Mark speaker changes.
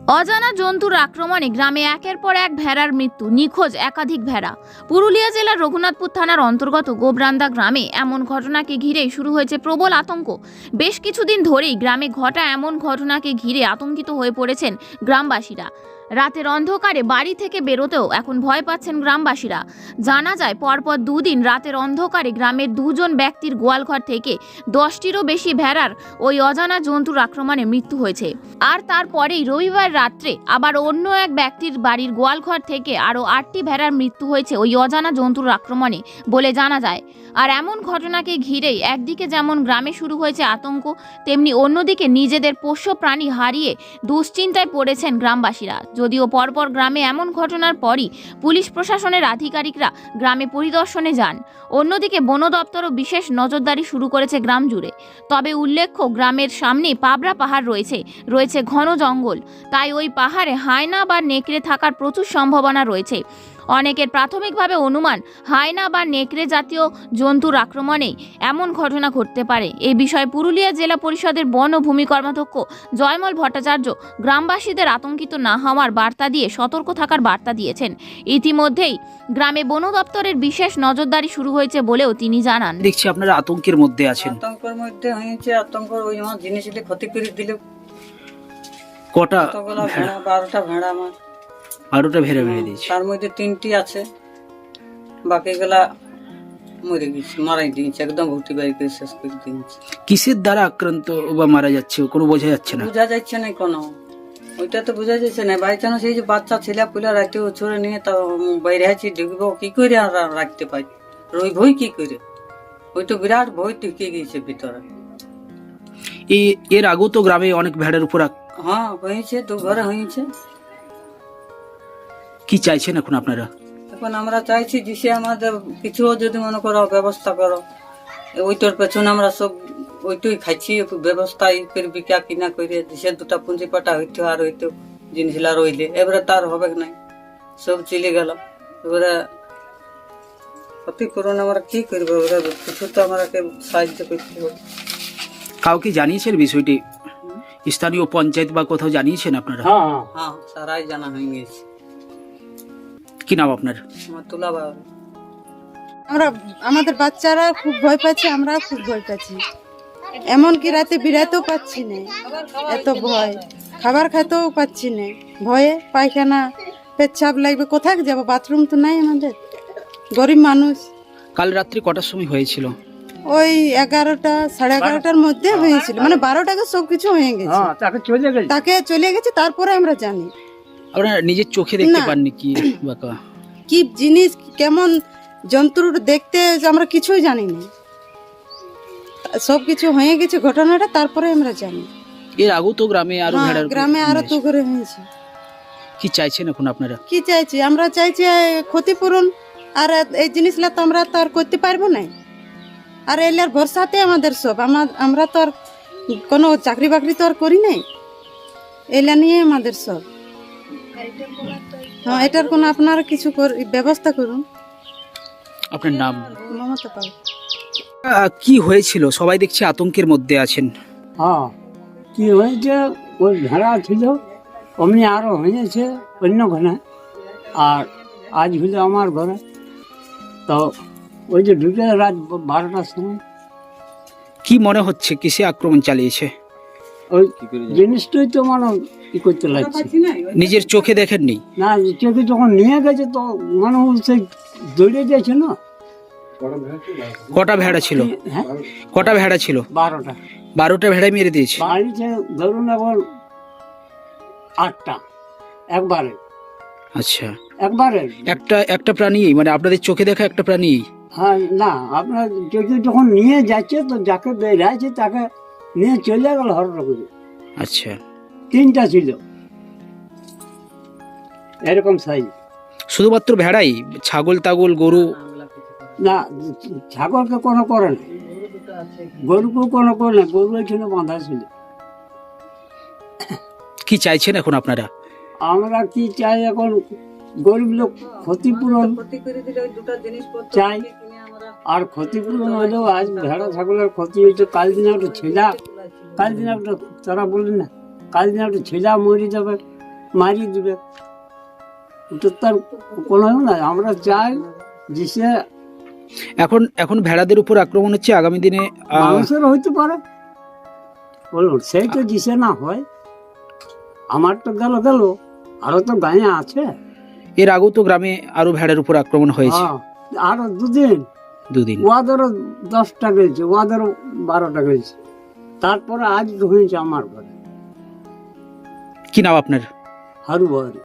Speaker 1: অজানা জন্তুর আক্রমণে গ্রামে একের পর এক ভেড়ার মৃত্যু, নিখোঁজ একাধিক ভেড়া। পুরুলিয়া জেলার রঘুনাথপুর থানার অন্তর্গত গোবরান্দা গ্রামে এমন ঘটনাকে ঘিরেই শুরু হয়েছে প্রবল আতঙ্ক। বেশ কিছুদিন ধরেই গ্রামে ঘটা এমন ঘটনাকে ঘিরে আতঙ্কিত হয়ে পড়েছেন গ্রামবাসীরা। রাতের অন্ধকারে বাড়ি থেকে বেরোতেও এখন ভয় পাচ্ছেন গ্রামবাসীরা। জানা যায়, পরপর দুদিন রাতের অন্ধকারে গ্রামের দুজন ব্যক্তির গোয়ালঘর থেকে 10টিরও বেশি ভেড়ার ওই অজানা জন্তুর আক্রমণে মৃত্যু হয়েছে। আর তারপরেই রবিবার রাত্রে আবার অন্য এক ব্যক্তির বাড়ির গোয়ালঘর থেকে আরও 8টি ভেড়ার মৃত্যু হয়েছে ওই অজানা জন্তুর আক্রমণে বলে জানা যায়। আর এমন ঘটনাকে ঘিরেই একদিকে যেমন গ্রামে শুরু হয়েছে আতঙ্ক, তেমনি অন্যদিকে নিজেদের পোষ্য প্রাণী হারিয়ে দুশ্চিন্তায় পড়েছেন গ্রামবাসীরা। যদিও পরপর গ্রামে এমন ঘটনার পরই পুলিশ প্রশাসনের আধিকারিকরা গ্রামে পরিদর্শনে যান। অন্যদিকে বন দপ্তরও বিশেষ নজরদারি শুরু করেছে গ্রাম জুড়ে। তবে উল্লেখ্য, গ্রামের সামনে পাবরা পাহাড় রয়েছে ঘন জঙ্গল, তাই ওই পাহাড়ে হায়না বা নেকড়ে থাকার প্রচুর সম্ভাবনা রয়েছে। অনেকের প্রাথমিকভাবে অনুমান, হায়না বা নেকড়ে জাতীয় জন্তুর আক্রমণেই এমন ঘটনা ঘটতে পারে। এই বিষয়ে পুরুলিয়া জেলা পরিষদের বন ও ভূমি কর্মাধ্যক্ষ জয়মল ভট্টাচার্য গ্রামবাসীদের আতঙ্কিত না হওয়ার বার্তা দিয়ে সতর্ক থাকার বার্তা দিয়েছেন। ইতিমধ্যেই গ্রামে বন দপ্তরের বিশেষ নজরদারি শুরু হয়েছে বলেও তিনি জানান।
Speaker 2: দেখছি আপনারা আতঙ্কের মধ্যে আছেন।
Speaker 3: আতঙ্কের মধ্যে হয়েছে, আতঙ্ক ওই আমার জিনিসগুলি ক্ষতি করে দিলে।
Speaker 2: কটা
Speaker 3: ভেড়া? 12টা ভেড়া আমার।
Speaker 2: 12টা ভেড়া মেরে দিয়েছে।
Speaker 3: তার মধ্যে 3টি আছে, বাকিগুলা মরে গেছে, মারাই দিয়েছে, একদম ভর্তি বাড়ি করে শেষ করে দিয়েছে।
Speaker 2: কিসের দ্বারা আক্রান্ত বা মারা যাচ্ছে কোনো বোঝা যাচ্ছে না।
Speaker 3: বোঝা যাচ্ছে না কোনো, ওইটা তো বোঝা যাচ্ছে না। বাই চান্স এই যে বাচ্চা ছেলে পুলে রাখতে ছড়ে নিয়ে তা বাইরে আছি, ঢুকবো কি করে আর রাখতে পারি, রইবই কি করে, ওই তো বিরাট ভয় ঢুকে গেছে ভিতরে।
Speaker 2: এর আগেও তো গ্রামে অনেক ভেড়ার উপর
Speaker 3: হ্যাঁ হয়েছে, 2 ঘরে হয়েছে।
Speaker 2: কি চাইছেন এখন আপনারা?
Speaker 3: এখন আমরা চাইছি যে সে আমাদের কিছু যদি মনে করো ব্যবস্থা করো, ওইটার পেছনে আমরা সব ওইটাই খাইছি, ব্যবস্থা করে বিকা কিনা করে সে 2টা পুঁজি পাটা হইতো, আর হইতো জিনিসগুলা রইলে এবারে তার হবে নাই, সব চলে গেল। এবারে ক্ষতিপূরণ আমরা কি করবো, এবারে কিছু তো আমাকে সাহায্য করতে হবে।
Speaker 2: কাউকে জানিয়েছেন বিষয়টি? স্থানীয় পঞ্চায়েত বা কোথাও জানিয়েছেন আপনারা?
Speaker 3: হ্যাঁ, সারাই জানা হয়ে গেছে।
Speaker 2: কি নাম আপনার?
Speaker 3: আমার তুলা বাবা।
Speaker 4: আমাদের বাচ্চারা খুব ভয় পাচ্ছে, আমরা খুব ভয় পাচ্ছি, এমনকি রাতে বিরাতেও পাচ্ছি না, এত ভয়। খাবার খাইতেও পাচ্ছি না, ভয়ে পায়খানা পেচ্ছাপ লাগবে, কোথায় যাবো, বাথরুম তো নাই আমাদের, গরিব মানুষ।
Speaker 2: কাল রাত্রি কটার সময় হয়েছিল?
Speaker 4: ওই 11টা 11:30টার মধ্যে হয়েছিল, মানে 12টাকে সবকিছু হয়ে গেছে, তাকে চলে গেছে, তারপরে আমরা জানি।
Speaker 2: আপনারা নিজের চোখে দেখতে পাননি কি বাকা
Speaker 4: কি জিনিস, কেমন জন্তুর দেখতে আমরা কিছুই জানি না, সবকিছু হয়ে গেছে ঘটনাটা, তারপরে আমরা জানি।
Speaker 2: এর আগেও তো গ্রামে আরো ভেড়ার
Speaker 4: গ্রামে আরো তো করে হয়েছে।
Speaker 2: কি চাইছেন এখন আপনারা?
Speaker 4: কি চাইছি আমরা, চাইছি ক্ষতিপূরণ। আর এই জিনিসগুলা তো আমরা তো আর করতে পারবো না, আর এলার ভরসাতে আমাদের সব, আমরা তো আর কোনো চাকরি বাকরি তো আর করি নাই, এলা নিয়ে আমাদের সব। হ্যাঁ, এটার কোনো আপনারা কিছু ব্যবস্থা করুন।
Speaker 2: আপনার নাম?
Speaker 4: মমতা পাল।
Speaker 2: কি হয়েছিল? সবাই দেখছি আতঙ্কের মধ্যে আছেন।
Speaker 5: হ্যাঁ, কি হয়েছে, ওই ভেড়া ছিল, অমনি আরো হয়েছে অন্য ঘরে, আর আজ হলো আমার ঘরে। তো ওই যে ঢুকে রাত 12টার সময়।
Speaker 2: কি মনে হচ্ছে কিসে আক্রমণ চালিয়েছে?
Speaker 5: ওই জিনিসটাই তো মানে কি করতে লাগছে,
Speaker 2: নিজের চোখে দেখেননি?
Speaker 5: না, চোখে যখন নিয়ে গেছে তো মানে সেই দৌড়ে গেছে না।
Speaker 2: কটা ভেড়া ছিল?
Speaker 5: হ্যাঁ,
Speaker 2: কটা ভেড়া ছিল?
Speaker 5: 12টা।
Speaker 2: 12টা ভেড়া মেরে দিয়েছে।
Speaker 5: বাড়িতে ধরুন এখন 8টা একবারে।
Speaker 2: আচ্ছা,
Speaker 5: একবারে
Speaker 2: একটা প্রাণী, মানে আপনাদের চোখে দেখা একটা প্রাণী?
Speaker 5: হ্যাঁ, না, আপনার চোখে যখন নিয়ে যাচ্ছে তো যাকে বেড়াচ্ছে তাকে নিয়ে চলে গেল হরটা করে।
Speaker 2: আচ্ছা,
Speaker 5: 3টা ছিল এরকম সাইজ।
Speaker 2: শুধুমাত্র ভেড়াই? ছাগল তাগল গরু?
Speaker 5: না, ছাগলকে কোনো করে না, গরুকেও কোনো করে না, গরু এখানে বাঁধা ছিল।
Speaker 2: কি চাইছেন এখন আপনারা?
Speaker 5: আমরা কি চাই এখন, গরিব লোক ক্ষতিপূরণ চাই, আর ক্ষতিপূরণ হলেও আজ ভেড়া ছাগলের ক্ষতি হয়েছে, কাল দিনে একটা ছেলা, কাল দিনে একটা, তারা বললেন না, কাল দিনে একটা ছেলা মরে যাবে, মারিয়ে দিবে। ওটা তার কোনো না, আমরা চাই যে সে
Speaker 2: এখন এখন ভেড়াদের উপর আক্রমণ হচ্ছে, আগামী দিনে
Speaker 5: মানুষের হইতে পারে বলুন, সেই তো দিশে না হয়। আমার তো গেল আরো তো গায়ে আছে।
Speaker 2: এর আগেও তো গ্রামে আরো ভেড়ার উপর আক্রমণ হয়েছে,
Speaker 5: হ্যাঁ, আরো দুদিন ওয়াদেরও 10টা গেছে, ওয়াদেরও 12টা গেছে, তারপরে আজ হয়েছে আমার ঘরে।
Speaker 2: কি নাম আপনার?
Speaker 5: হারু বাড়ি।